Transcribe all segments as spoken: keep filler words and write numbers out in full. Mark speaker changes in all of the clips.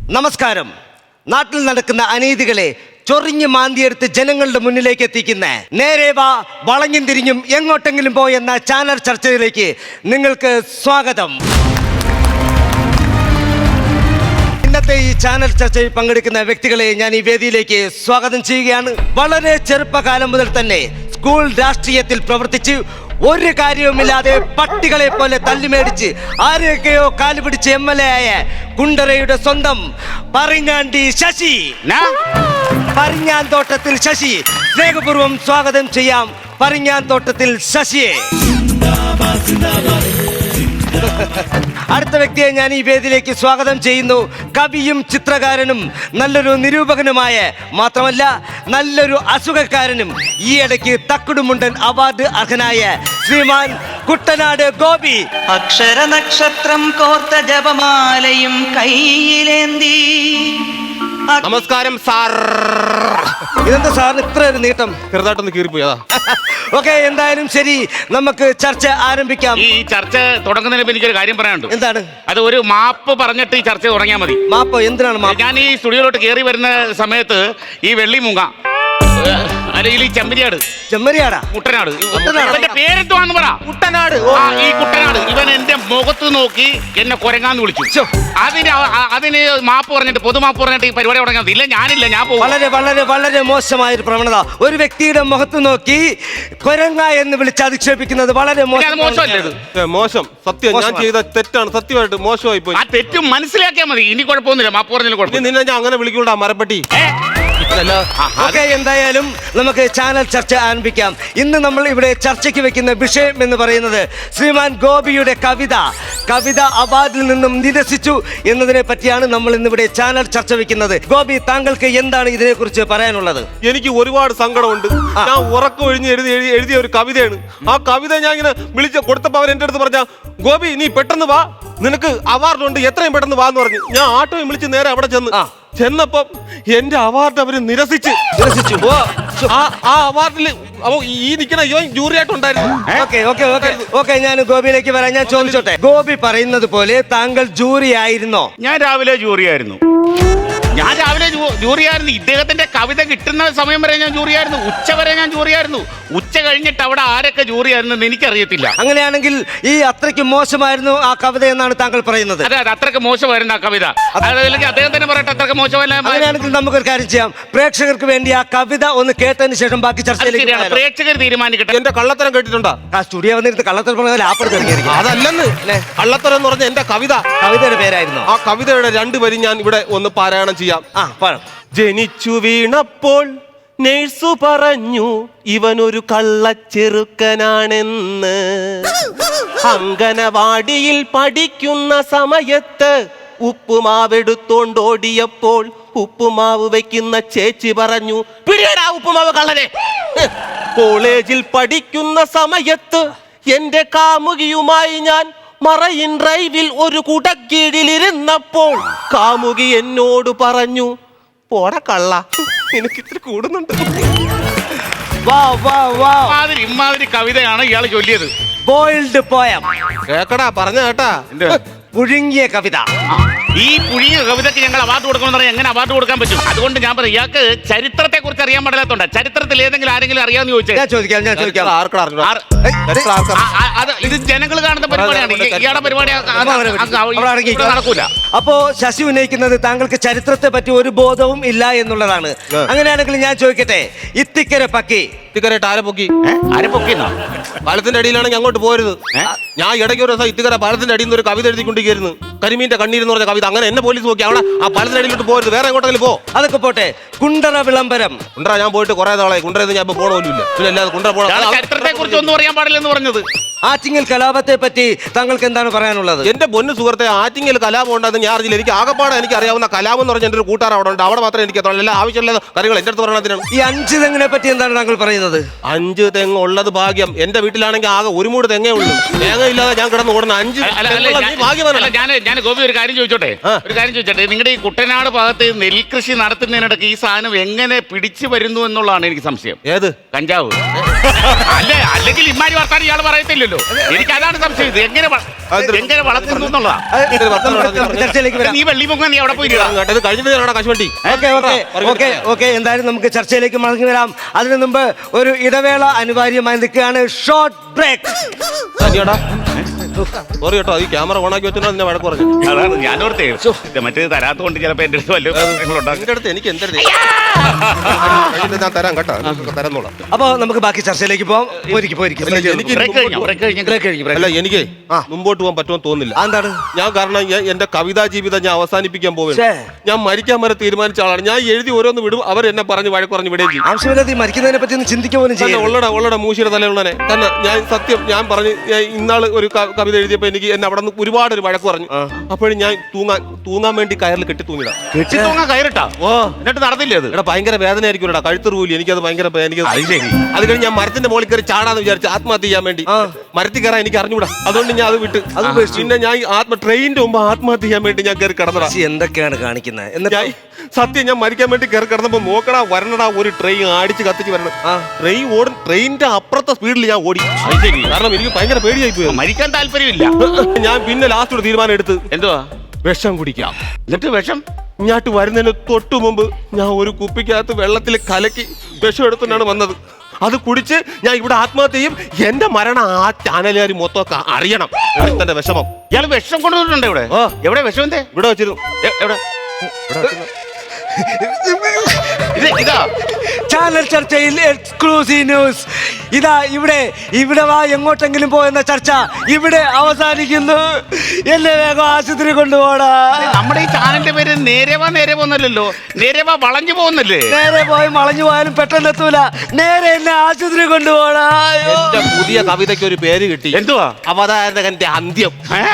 Speaker 1: നമസ്കാരം. നാട്ടിൽ നടക്കുന്ന അനീതികളെ ചൊറിഞ്ഞ് മാന്തിയെടുത്ത് ജനങ്ങളുടെ മുന്നിലേക്ക് എത്തിക്കുന്ന നേരെ വാ വളഞ്ഞും തിരിഞ്ഞും എങ്ങോട്ടെങ്കിലും പോയെന്ന ചാനൽ ചർച്ചയിലേക്ക് നിങ്ങൾക്ക് സ്വാഗതം. ഇന്നത്തെ ഈ ചാനൽ ചർച്ചയിൽ പങ്കെടുക്കുന്ന വ്യക്തികളെ ഞാൻ ഈ വേദിയിലേക്ക് സ്വാഗതം ചെയ്യുകയാണ്. വളരെ ചെറുപ്പകാലം മുതൽ തന്നെ സ്കൂൾ രാഷ്ട്രീയത്തിൽ പ്രവർത്തിച്ച് ഒരു കാര്യവുമില്ലാതെ പട്ടികളെ പോലെ തല്ലിമേടിച്ച് ആരെയൊക്കെയോ കാലുപിടിച്ച് എം എൽ എ ആയ കുണ്ടറയുടെ സ്വന്തം പറങ്ങാണ്ടി ശശി, പരിഞ്ഞാൻ തോട്ടത്തിൽ ശശി. സ്നേഹപൂർവ്വം സ്വാഗതം ചെയ്യാം പരിഞ്ഞാൻ തോട്ടത്തിൽ ശശിയെ. അടുത്ത വ്യക്തിയെ ഞാൻ ഈ വേദിയിലേക്ക് സ്വാഗതം ചെയ്യുന്നു. കവിയും ചിത്രകാരനും നല്ലൊരു നിരൂപകനുമായ, മാത്രമല്ല നല്ലൊരു അസുഖക്കാരനും ഈയിടയ്ക്ക് തക്കുടുമുണ്ടൻ അവാർഡ് അർഹനായ ശ്രീമാൻ കുട്ടനാട് ഗോപി.
Speaker 2: അക്ഷര നക്ഷത്രം കോർത്ത ജപമാലയും കയ്യിലേന്തി.
Speaker 3: നമസ്കാരം സാർ.
Speaker 1: ഇതെന്താ സാറിന് ഇത്ര ഒരു നീട്ടം?
Speaker 3: ചെറുതായിട്ടൊന്ന് കീറിപ്പോയതാ.
Speaker 1: ഓക്കെ, എന്തായാലും ശരി, നമുക്ക് ചർച്ച ആരംഭിക്കാം.
Speaker 4: ഈ ചർച്ച തുടങ്ങുന്നതിന് എനിക്കൊരു കാര്യം പറയാനുണ്ട്.
Speaker 1: എന്താണ്
Speaker 4: അത്? ഒരു മാപ്പ് പറഞ്ഞിട്ട് ഈ ചർച്ച തുടങ്ങിയാൽ മതി.
Speaker 1: മാപ്പോ? എന്തിനാണ് മാപ്പ്?
Speaker 4: ഞാൻ ഈ സ്റ്റുഡിയോയിലോട്ട് കയറി വരുന്ന സമയത്ത് ഈ വെള്ളിമൂങ്ങ അല്ലെങ്കിൽ ഈ ചെമ്പരിയാട്,
Speaker 1: ചെമ്മരിയാടാ,
Speaker 4: കുട്ടനാട്, ഇവന്റെ പേരെന്തുവാന്ന് പറ.
Speaker 3: കുട്ടനാട്.
Speaker 4: ആ, ഈ കുട്ടനാട് ഇവൻ എന്റെ മുഖത്ത് നോക്കി എന്നെ കൊരങ്ങാന്ന് വിളിച്ചു. അതിന് അ- അതിന് മാപ്പ് പറഞ്ഞിട്ട് പൊതുമാപ്പ് പറഞ്ഞിട്ട് ഈ പരിപാടി തുടങ്ങാൻ ഇല്ല. ഞാനില്ല, ഞാൻ പോകും.
Speaker 1: വളരെ വളരെ വളരെ മോശമായ ഒരു പ്രവണത. ഒരു വ്യക്തിയുടെ മുഖത്ത് നോക്കി കൊരങ്ങ എന്ന് വിളിച്ച് അധിക്ഷേപിക്കുന്നത് വളരെ
Speaker 4: അത് മോശമല്ലേ ഇത്?
Speaker 3: ഏ, മോശം. സത്യം, ഞാൻ ചെയ്ത തെറ്റാണ്. സത്യമായിട്ട് മോശമായി പോയി.
Speaker 4: ആ തെറ്റും മനസ്സിലാക്കിയാൽ മതി. ഇനി കുഴപ്പമൊന്നുമില്ല, മാപ്പ് പറഞ്ഞാലും
Speaker 3: ഇനി
Speaker 4: കുഴപ്പമില്ല.
Speaker 3: നിന്നെ ഞാൻ അങ്ങനെ വിളിക്കൂടാ മരപ്പട്ടി.
Speaker 1: ഓക്കെ, എന്തായാലും നമുക്ക് ചാനൽ ചർച്ച ആരംഭിക്കാം. ഇന്ന് നമ്മൾ ഇവിടെ ചർച്ചയ്ക്ക് വെക്കുന്ന വിഷയം എന്ന് പറയുന്നത് ശ്രീമാൻ ഗോപിയുടെ കവിത കവിത അവാർഡിൽ നിന്നും നിരസിച്ചു എന്നതിനെ പറ്റിയാണ് നമ്മൾ ഇന്നിവിടെ ചാനൽ ചർച്ച വെക്കുന്നത്. ഗോപി, താങ്കൾക്ക് എന്താണ് ഇതിനെ കുറിച്ച് പറയാനുള്ളത്?
Speaker 3: എനിക്ക് ഒരുപാട് സങ്കടമുണ്ട്. ഞാൻ ഉറക്കം ഒഴിഞ്ഞ് എഴുതി എഴുതി എഴുതിയ ഒരു കവിതയാണ്. ആ കവിത ഞാൻ ഇങ്ങനെ വിളിച്ച് കൊടുത്തപ്പോൾ അവർ എൻ്റെ അടുത്ത് പറഞ്ഞ, ഗോപി നീ പെട്ടെന്ന് വാ, നിനക്ക് അവാർഡുണ്ട്, എത്രയും പെട്ടെന്ന് വാന്ന് പറഞ്ഞു. ഞാൻ ആട്ടോയും വിളിച്ച് നേരെ അവിടെ ചെന്ന് ചെന്നപ്പം എന്റെ അവാർഡ് അവര് നിരസിച്ച്
Speaker 1: നിരസിച്ചു.
Speaker 3: ആ അവാർഡിൽ ഈ നിൽക്കണ ഇവൻ ജൂറി ആയിട്ടുണ്ടായിരുന്നു.
Speaker 1: ഓക്കെ ഓക്കെ ഓക്കെ ഓക്കെ ഞാൻ ഗോപിയിലേക്ക് വരാം. ഞാൻ ചോദിച്ചോട്ടെ, ഗോപി പറയുന്നത് പോലെ താങ്കൾ ജൂറി ആയിരുന്നോ?
Speaker 4: ഞാൻ രാവിലെ ജൂറിയായിരുന്നു. ഞാൻ രാവിലെ ജൂറിയായിരുന്നു. ഇദ്ദേഹത്തിന്റെ കവിത കിട്ടുന്ന സമയം വരെ ഞാൻ ജൂറിയായിരുന്നു. ഉച്ച വരെ ഞാൻ ജൂറിയായിരുന്നു. ഉച്ച കഴിഞ്ഞിട്ട് അവിടെ ആരൊക്കെ ജൂറിയായിരുന്നു എന്ന് എനിക്കറിയത്തില്ല.
Speaker 1: അങ്ങനെയാണെങ്കിൽ ഈ അത്രയ്ക്ക് മോശമായിരുന്നു ആ കവിത എന്നാണ് താങ്കൾ പറയുന്നത്?
Speaker 4: അതെ, അത് അത്രയ്ക്ക് മോശമായിരുന്നു ആ കവിത. അല്ലെങ്കിൽ അദ്ദേഹം തന്നെ പറയട്ടെ അത്രയ്ക്ക് മോശമല്ല.
Speaker 1: അങ്ങനെയാണെങ്കിൽ നമുക്കൊരു കാര്യം ചെയ്യാം, പ്രേക്ഷകർക്ക് വേണ്ടി ആ കവിത ഒന്ന് കേട്ടതിന് ശേഷം ബാക്കി ചർച്ചയിലേക്ക്
Speaker 4: പ്രേക്ഷകർ തീരുമാനിക്കട്ടെ.
Speaker 3: എന്റെ കള്ളത്തരം കേട്ടിട്ടുണ്ടോ?
Speaker 1: ആ സ്റ്റുഡിയോ വന്നിരുന്ന് കള്ളത്തരം പറഞ്ഞാൽ ആപ്പെടുത്തിരിക്കും.
Speaker 3: അതല്ലെന്ന്, കള്ളത്തരം എന്ന് പറഞ്ഞ എന്റെ കവിത,
Speaker 1: കവിതയുടെ പേരായിരുന്നു.
Speaker 3: ആ കവിതയുടെ രണ്ടുപേരും ഞാൻ ഇവിടെ ഒന്ന് പാരായണം ചെയ്യാം.
Speaker 1: ആ പറ.
Speaker 3: ജനിച്ചു വീണപ്പോൾ നേഴ്സു പറഞ്ഞു ഇവനൊരു കള്ളച്ചെറുക്കനാണെന്ന്. അങ്കനവാടിയിൽ പഠിക്കുന്ന സമയത്ത് ഉപ്പുമാവെടുത്തോണ്ടോടിയപ്പോൾ ഉപ്പുമാവ് വെക്കുന്ന ചേച്ചി പറഞ്ഞു, പിടിയടാ ഉപ്പുമാവ് കള്ളനെ. കോളേജിൽ പഠിക്കുന്ന സമയത്ത് എന്റെ കാമുകിയുമായി ഞാൻ മറയിൻ ഡ്രൈവിൽ ഒരു കുടക്കീഴിലിരുന്നപ്പോൾ കാമുകി എന്നോട് പറഞ്ഞു, പോട കള്ള, എനിക്ക് ഇത്തിരി കൂടുന്നുണ്ട്.
Speaker 1: വാ വാ വാ,
Speaker 4: ഇമാതിരി ഇമാതിരി കവിതയാണ് ഇയാൾ ചൊല്ലിയത്.
Speaker 1: ബോയിൽഡ് പോയം,
Speaker 3: കേക്കടാ, പറഞ്ഞ കേട്ടാ.
Speaker 1: പുഴുങ്ങിയ കവിത.
Speaker 4: ഈ പുഴിയ കവിതയ്ക്ക് ഞങ്ങൾ അവാർഡ് കൊടുക്കണമെന്ന് പറഞ്ഞാൽ എങ്ങനെ അവാർഡ് കൊടുക്കാൻ പറ്റും? അതുകൊണ്ട് ഞാൻ പറയും, ഇയാൾക്ക് ചരിത്രത്തെ കുറിച്ച് അറിയാൻ പാടില്ലാത്തോണ്ട്. ചരിത്രത്തിൽ ഏതെങ്കിലും ആരെങ്കിലും അറിയാമെന്ന് ചോദിച്ചേ.
Speaker 1: ഞാൻ ചോദിക്കാം ഞാൻ ചോദിക്കാം
Speaker 3: ആർക്കടാ അറിഞ്ഞൂടാ?
Speaker 4: ആർ- ആ, ആ, അത് ഇത് ജനങ്ങൾ കാണുന്ന പരിപാടിയാണ്. ഈ- ഇയാളുടെ പരിപാടി അത് അത്
Speaker 1: അവിടെ അടങ്ങി.
Speaker 4: ഇവിടെ നടക്കൂല.
Speaker 1: അപ്പോ ശശി ഉന്നയിക്കുന്നത് താങ്കൾക്ക് ചരിത്രത്തെ പറ്റി ഒരു ബോധവും ഇല്ല എന്നുള്ളതാണ്. അങ്ങനെയാണെങ്കിൽ ഞാൻ ചോദിക്കട്ടെ, ഇത്തിക്കര പക്കി
Speaker 3: ഇത്തിക്കരയിട്ട് ആരെ പൊക്കി?
Speaker 4: ആരെ പൊക്കിന്നോ?
Speaker 3: പാലത്തിന്റെ അടിയിലാണെങ്കിൽ അങ്ങോട്ട് പോരുത്. ഞാൻ ഇടയ്ക്ക് ഒരു ദിവസം ഇത്തിക്കര പാലത്തിന്റെ അടിയിൽ നിന്ന് ഒരു കവിത എഴുതിക്കൊണ്ടിരിക്കുന്നു, കരിമീന്റെ കണ്ണീരെന്ന് പറഞ്ഞ കവിത. അങ്ങനെ എന്നെ പോലീസ് നോക്കി. അവിടെ ആ പാലത്തിന്റെ അടിയിലോട്ട് പോരുത്, വേറെ എങ്ങോട്ടെങ്കിലും പോ.
Speaker 1: അതൊക്കെ പോട്ടെ, കുണ്ടറ വിളംബരം.
Speaker 3: കുണ്ടറ ഞാൻ പോയിട്ട് കുറെ നാളായി. കുണ്ടറയിൽ ഞാൻ ഇപ്പൊ പോകണമില്ല. പിന്നെ അല്ലാതെ കുണ്ടറ
Speaker 4: ഇയാള്
Speaker 3: പോകണം.
Speaker 4: ചരിത്രത്തെ കുറിച്ച് ഒന്നും അറിയാൻ പാടില്ലെന്ന് പറഞ്ഞത്.
Speaker 1: ആറ്റിങ്ങൽ കലാപത്തെ പറ്റി താങ്കൾക്ക് എന്താണ് പറയാനുള്ളത്?
Speaker 3: എന്റെ പൊന്നു സുഹൃത്തെ, ആറ്റിങ്ങൽ കലാപം ഉണ്ടെന്ന് ഞാൻ അറിയില്ല. എനിക്ക് ആകപ്പാടെ എനിക്ക് അറിയാവുന്ന കലാപം എന്ന് പറഞ്ഞ എന്റെ ഒരു കൂട്ടുകാർ അവിടെ ഉണ്ട്. അവിടെ മാത്രമേ എനിക്ക് എത്തുള്ളൂ. എല്ലാ ആവശ്യമുള്ള കാര്യങ്ങൾ എന്റെ അടുത്ത് പറയണതിനാണ്.
Speaker 1: ഈ അഞ്ച് തെങ്ങിനെ പറ്റി എന്താണ് താങ്കൾ പറയുന്നത്?
Speaker 3: അഞ്ച് തെങ്ങ് ഉള്ളത് ഭാഗ്യം. എന്റെ വീട്ടിലാണെങ്കിൽ ആകെ ഒരു മൂട് തെങ്ങേ ഉള്ളൂ. തേങ്ങ ഇല്ലാതെ ഞാൻ കിടന്ന് ഓടുന്ന അഞ്ച്
Speaker 4: അല്ല, അല്ല,
Speaker 3: തെങ്ങുള്ള നീ
Speaker 4: ഞാൻ-
Speaker 3: ഭാഗ്യവാനാണ്.
Speaker 4: അല്ല, ഞാൻ ഞാൻ ഗോപി ഒരു കാര്യം ചോദിച്ചോട്ടെ
Speaker 3: ആ.
Speaker 4: ഒരു കാര്യം ചോദിച്ചോട്ടെ നിങ്ങളുടെ ഈ കുട്ടനാട് ഭാഗത്ത് നെൽകൃഷി നടത്തുന്നതിനിടയ്ക്ക് ഈ സാധനം എങ്ങനെ പിടിച്ചു വരുന്നു എന്നുള്ളതാണ് എനിക്ക് സംശയം.
Speaker 3: ഏത്
Speaker 4: കഞ്ചാവ്? അല്ലേ, അല്ലെങ്കിൽ ഇമ്മാരി വർത്താനം ഇയാൾ പറയത്തില്ലല്ലോ. അറിയില്ലല്ലോ. എനിക്ക് അതാണ് സംശയം. ഇത് എങ്ങനെ വ- എങ്ങനെ വളർത്തുന്നു എന്നുള്ളതാ.
Speaker 1: അത് നമുക്ക് ചർച്ചയിലേക്ക് വരാം.
Speaker 4: നീ വെള്ളി പൊങ്ങാൻ നീ അവിടെ പോയി
Speaker 3: ഇത് കഴിഞ്ഞിട്ട് കശുവണ്ടി.
Speaker 1: ഓക്കെ ഓക്കെ ഓക്കെ ഓക്കെ എന്തായാലും നമുക്ക് ചർച്ചയിലേക്ക് മടങ്ങി വരാം. അതിനു മുമ്പ് ഒരു ഇടവേള അനിവാര്യമായി നിൽക്കുകയാണ്. Short break.
Speaker 3: സോറി കേട്ടോ, ഈ ക്യാമറ ഓണാക്കി വെച്ചോ എന്നെ വഴക്ക് പറഞ്ഞു.
Speaker 4: അതാണ് ഞാനോർത്തേ മറ്റേ തരാത്തോണ്ട് ചിലപ്പോ എന്റെ അടുത്ത് വല്ല പ്രശ്നങ്ങളുണ്ടാകും.
Speaker 3: എന്റെ അടുത്ത് എനിക്ക് എന്തെങ്കിലും ഞാൻ തരാം കേട്ടോ, തരാന്നോളാം.
Speaker 1: അപ്പൊ നമുക്ക് ബാക്കി ചർച്ചയിലേക്ക് പോവാം. പോയിരിക്കും പോയിരിക്കും
Speaker 3: എനിക്ക്
Speaker 4: ബ്രേക്ക് കഴിഞ്ഞോ? ബ്രേക്ക് കഴിഞ്ഞോ?
Speaker 1: ബ്രേക്ക് കഴിഞ്ഞു
Speaker 3: അല്ല എനിക്ക് മുമ്പോട്ട് പോകാൻ പറ്റുമെന്ന് തോന്നുന്നില്ല.
Speaker 1: എന്താണ്?
Speaker 3: ഞാൻ കാരണം ഞാൻ എന്റെ കവിതാ ജീവിതം ഞാൻ അവസാനിപ്പിക്കാൻ പോവുകയാണ്.
Speaker 1: ഛേ.
Speaker 3: ഞാൻ മരിക്കാൻ വരെ തീരുമാനിച്ച ആളാണ്. ഞാൻ എഴുതി ഓരോന്ന് വിടും, അവർ എന്നെ പറഞ്ഞ് വഴക്ക് പറഞ്ഞ് വിടുകയും ചെയ്യും.
Speaker 1: ആവശ്യമില്ലാതെ ഈ മരിക്കുന്നതിനെ പറ്റി ഒന്ന് ചിന്തിക്കുക പോലും
Speaker 3: തന്നെ
Speaker 1: ചെയ്യും.
Speaker 3: ഉള്ളട ഉള്ളട മൂശിയുടെ തലയുള്ളനെ തന്നെ ഞാൻ സത്യം ഞാൻ പറഞ്ഞ് ഞാൻ ഇന്നാള് ഒരു ക- കവിത എഴുതിയപ്പോ എനിക്ക് എന്നെ അവിടെ നിന്ന് ഒരുപാട് ഒരു വഴക്ക് പറഞ്ഞു. അപ്പോഴും ഞാൻ തൂങ്ങാൻ തൂങ്ങാൻ വേണ്ടി കയറിൽ കെട്ടി തൂങ്ങിടാം.
Speaker 4: കെട്ടി തൂങ്ങാൻ കയറിട്ടാ?
Speaker 3: ഓ
Speaker 4: എന്നിട്ട് നടന്നില്ലേ അത്?
Speaker 3: എടാ ഭയങ്കര വേദന ആയിരിക്കും എടാ, കഴുത്ത് റൂലി. എനിക്കത് ഭയങ്കര പേ- എനിക്ക്
Speaker 4: അത് ശരി.
Speaker 3: അത് കഴിഞ്ഞ് ഞാൻ മരത്തിന്റെ മുകളിൽ കയറി ചാടാന്ന് വിചാരിച്ചു ആത്മഹത്യ ചെയ്യാൻ വേണ്ടി. മരത്തിൽ കയറാൻ എനിക്ക് അറിഞ്ഞൂടാ, അതുകൊണ്ട് ഞാൻ അത് വിട്ട്.
Speaker 1: അത് ഉപേക്ഷിച്ചു.
Speaker 3: പിന്നെ ഞാൻ ഈ ആത്മ ട്രെയിനിന്റെ മുമ്പ് ആത്മഹത്യ ചെയ്യാൻ വേണ്ടി ഞാൻ കയറി കിടന്നടാ.
Speaker 1: ചേച്ചി എന്തൊക്കെയാണ് കാണിക്കുന്നത്? എന്നിട്ട്
Speaker 3: ഞാൻ സത്യം ഞാൻ മരിക്കാൻ വേണ്ടി കയറി കിടന്നപ്പോ നോക്കടാ വരണടാ ഒരു ട്രെയിൻ അടിച്ച് കത്തിച്ച് വരണം. ട്രെയിൻ ഓടും, ട്രെയിനിന്റെ അപ്പുറത്തെ സ്പീഡിൽ ഞാൻ ഓടി.
Speaker 4: അത് ശരി.
Speaker 3: കാരണം എനിക്ക് ഭയങ്കര പേടിയായി പോയി.
Speaker 4: മരിക്കാൻ താല്പര്യമില്ല.
Speaker 3: ഞാൻ പിന്നെ ലാസ്റ്റ് ഒരു തീരുമാനം എടുത്ത്
Speaker 4: എന്തുവാ?
Speaker 3: വിഷം കുടിക്കാം.
Speaker 4: എന്നിട്ട് വിഷം
Speaker 3: ഇങ്ങോട്ട് വരുന്നതിന് തൊട്ടു മുമ്പ് ഞാൻ ഒരു കുപ്പിക്കകത്ത് വെള്ളത്തിൽ കലക്കി വിഷം എടുത്തിട്ടാണ് വന്നത്. അത് കുടിച്ച് ഞാൻ ഇവിടെ ആത്മഹത്യ ചെയ്യും. എന്റെ മരണം ആ ചാനലുകാർ മൊത്തം ഒക്കെ അറിയണം. തന്റെ വിഷമം.
Speaker 4: ഇയാൾ വിഷം കൊണ്ടുവന്നിട്ടുണ്ട് ഇവിടെ.
Speaker 3: ഓ.
Speaker 4: എവിടെ വിഷം? എന്തേ
Speaker 3: ഇവിടെ വെച്ചിരുന്നു.
Speaker 4: എ- എവിടെ?
Speaker 3: ഇവിടെ വെച്ചിരുന്നു.
Speaker 4: ഇത് ഇതാ
Speaker 1: ചാനൽ ചർച്ചയിൽ എക്സ്ക്ലൂസീവ് ന്യൂസ്. ഇതാ ഇവിടെ ഇവിടെ വാ എങ്ങോട്ടെങ്കിലും പോയെന്ന ചർച്ച ഇവിടെ അവസാനിക്കുന്നു. എന്നെ വേഗം ആശുപത്രി കൊണ്ടുപോടാ.
Speaker 4: നമ്മുടെ ഈ ചാനലിന്റെ പേര് നേരെവാ നേരെ പോന്നല്ലോ, നേരെവാ വളഞ്ഞു പോകുന്നല്ലേ?
Speaker 1: നേരെ പോയി വളഞ്ഞു പോയാലും പെട്ടെന്ന് എത്തൂല. നേരെ എന്നെ ആശുപത്രി കൊണ്ടുപോടാ. അയ്യോ.
Speaker 3: എന്റെ പുതിയ കവിതയ്ക്ക് ഒരു പേര് കിട്ടി.
Speaker 4: എന്തുവാ?
Speaker 3: അവതാരകന്റെ അന്ത്യം.
Speaker 4: ഏ?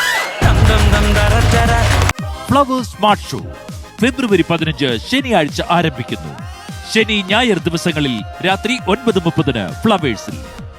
Speaker 5: ഫ്ലവേഴ്സ് സ്മാർട്ട് ഷോ ഫെബ്രുവരി പതിനഞ്ച് ശനിയാഴ്ച ആരംഭിക്കുന്നു. ശനി ഞായർ ദിവസങ്ങളിൽ രാത്രി ഒൻപത് മുപ്പതിന് ഫ്ലവേഴ്സിൽ.